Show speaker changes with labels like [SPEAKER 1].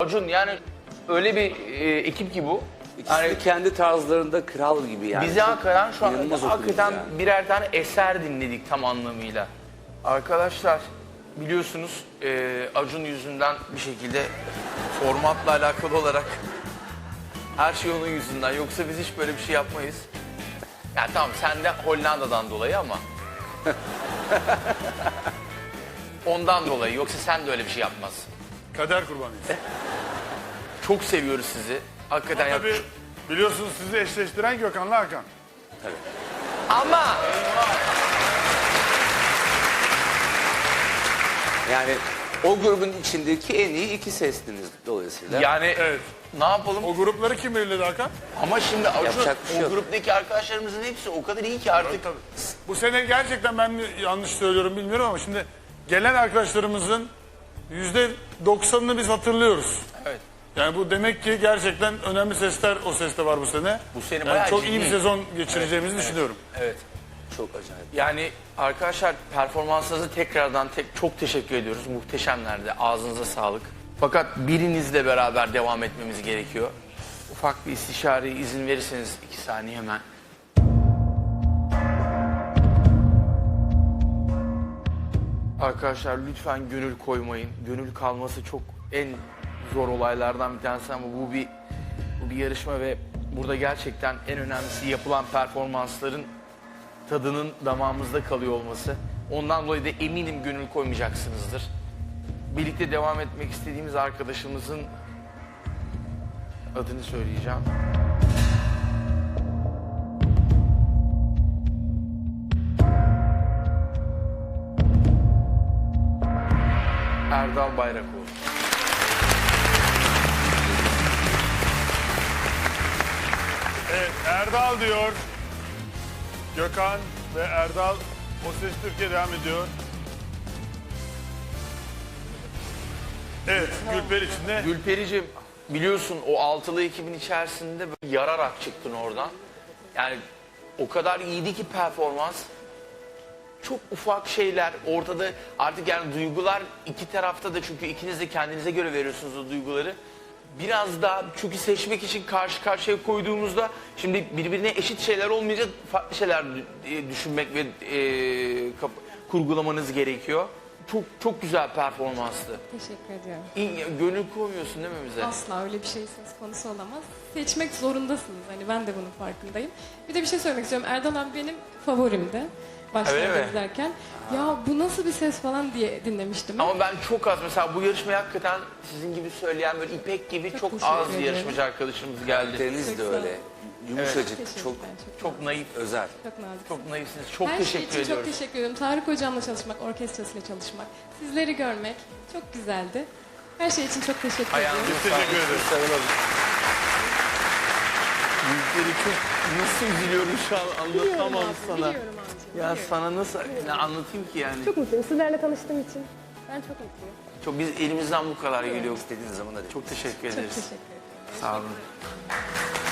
[SPEAKER 1] Acun yani öyle bir ekip ki bu.
[SPEAKER 2] İkisi
[SPEAKER 1] Yani
[SPEAKER 2] de kendi tarzlarında kral gibi yani.
[SPEAKER 1] bize hakikaten şu an
[SPEAKER 2] İnanılmaz
[SPEAKER 1] hakikaten
[SPEAKER 2] okudunuz yani.
[SPEAKER 1] birer tane eser dinledik tam anlamıyla. Arkadaşlar biliyorsunuz Acun yüzünden bir şekilde formatla alakalı olarak her şey onun yüzünden. Yoksa biz hiç böyle bir şey yapmayız. Ya tamam sen de Hollanda'dan dolayı ama. Ondan dolayı. Yoksa sen de öyle bir şey yapmazsın.
[SPEAKER 3] Kader kurbanıyız.
[SPEAKER 1] Çok seviyoruz sizi. Hakikaten ya.
[SPEAKER 3] Tabii biliyorsunuz sizi eşleştiren Gökhan'la Hakan.
[SPEAKER 1] Ama
[SPEAKER 2] Yani o grubun içindeki en iyi iki sestiniz dolayısıyla.
[SPEAKER 1] yani
[SPEAKER 3] Evet.
[SPEAKER 1] ne yapalım?
[SPEAKER 3] O grupları kim belirledi Hakan?
[SPEAKER 1] Ama şimdi Acun
[SPEAKER 2] Yapacak bir şey
[SPEAKER 1] o
[SPEAKER 2] yok.
[SPEAKER 1] gruptaki arkadaşlarımızın hepsi o kadar iyi ki artık.
[SPEAKER 3] Tabii. Bu sene gerçekten ben mi yanlış söylüyorum bilmiyorum ama şimdi gelen arkadaşlarımızın %90'ını biz hatırlıyoruz.
[SPEAKER 1] Evet.
[SPEAKER 3] Yani bu demek ki gerçekten önemli sesler o seste var bu sene.
[SPEAKER 1] Bu sene
[SPEAKER 3] Yani
[SPEAKER 1] bayağı
[SPEAKER 3] çok iyi bir
[SPEAKER 1] ciddi.
[SPEAKER 3] sezon geçireceğimizi düşünüyorum.
[SPEAKER 1] Evet.
[SPEAKER 2] Çok acayip.
[SPEAKER 1] Yani arkadaşlar performansınızı tekrardan çok teşekkür ediyoruz. Muhteşemlerdi. Ağzınıza sağlık. Fakat birinizle beraber devam etmemiz gerekiyor. Ufak bir istişare izin verirseniz 2 saniye hemen. Arkadaşlar lütfen gönül koymayın. Gönül kalması çok en zor olaylardan bir tanesi ama bu bir yarışma ve burada gerçekten en önemlisi yapılan performansların tadının damağımızda kalıyor olması. Ondan dolayı da eminim gönül koymayacaksınızdır. Birlikte devam etmek istediğimiz arkadaşımızın adını söyleyeceğim. Erdal Bayrakoğlu.
[SPEAKER 3] Evet, Erdal diyor. Gökhan ve Erdal O Ses Türkiye devam ediyor. Evet, Gülper içinde.
[SPEAKER 1] Gülpericiğim biliyorsun o altılı ekibin içerisinde böyle yararak çıktın oradan. Yani o kadar iyiydi ki performans. Çok ufak şeyler ortada artık yani duygular iki tarafta da çünkü ikiniz de kendinize göre veriyorsunuz o duyguları. Biraz daha çünkü seçmek için karşı karşıya koyduğumuzda şimdi birbirine eşit şeyler olmayınca farklı şeyler düşünmek ve kurgulamanız gerekiyor. Çok güzel performanstı.
[SPEAKER 4] Teşekkür ediyorum.
[SPEAKER 1] Gönül koymuyorsun değil mi bize?
[SPEAKER 4] Asla öyle bir şey söz konusu olamaz. Seçmek zorundasınız. Hani ben de bunun farkındayım. Bir de bir şey söylemek istiyorum. Erdal abi benim favorimdi.
[SPEAKER 1] Öyle
[SPEAKER 4] Başlarda
[SPEAKER 1] mi?
[SPEAKER 4] izlerken. Ya bu nasıl bir ses falan diye dinlemiştim.
[SPEAKER 1] Ama ben çok az mesela bu yarışmaya hakikaten sizin gibi söyleyen böyle İpek gibi çok
[SPEAKER 4] teşekkür
[SPEAKER 1] az
[SPEAKER 4] ederim.
[SPEAKER 1] yarışmacı arkadaşımız geldi.
[SPEAKER 2] Deniz
[SPEAKER 4] Çok
[SPEAKER 2] de
[SPEAKER 4] sağ ol.
[SPEAKER 2] öyle. Yumuşacık,
[SPEAKER 4] Teşekkürler,
[SPEAKER 1] Çok naif,
[SPEAKER 2] özel.
[SPEAKER 4] çok nazik.
[SPEAKER 1] çok naifsiniz. Çok
[SPEAKER 4] Her şey
[SPEAKER 1] teşekkür
[SPEAKER 4] için
[SPEAKER 1] ediyoruz.
[SPEAKER 4] çok teşekkür ediyorum. Tarık hocamla çalışmak, orkestrasıyla çalışmak, sizleri görmek çok güzeldi. Her şey için çok teşekkür
[SPEAKER 1] Ayağınıza
[SPEAKER 4] ediyorum.
[SPEAKER 3] Teşekkür ederiz.
[SPEAKER 2] Sarılalım.
[SPEAKER 1] Büyükleri çok nasıl üzülüyorum şu an anlatamam sana.
[SPEAKER 4] Biliyorum abicim.
[SPEAKER 1] Ya sana nasıl ne anlatayım ki yani?
[SPEAKER 5] Çok mutluyum. Sizlerle tanıştığım için. Ben çok mutluyum.
[SPEAKER 1] Çok biz elimizden bu kadar geliyor.
[SPEAKER 2] İstediğiniz zaman hadi.
[SPEAKER 1] Çok teşekkür
[SPEAKER 4] Çok
[SPEAKER 1] ederiz.
[SPEAKER 4] teşekkür ederim.
[SPEAKER 1] Sağ olun.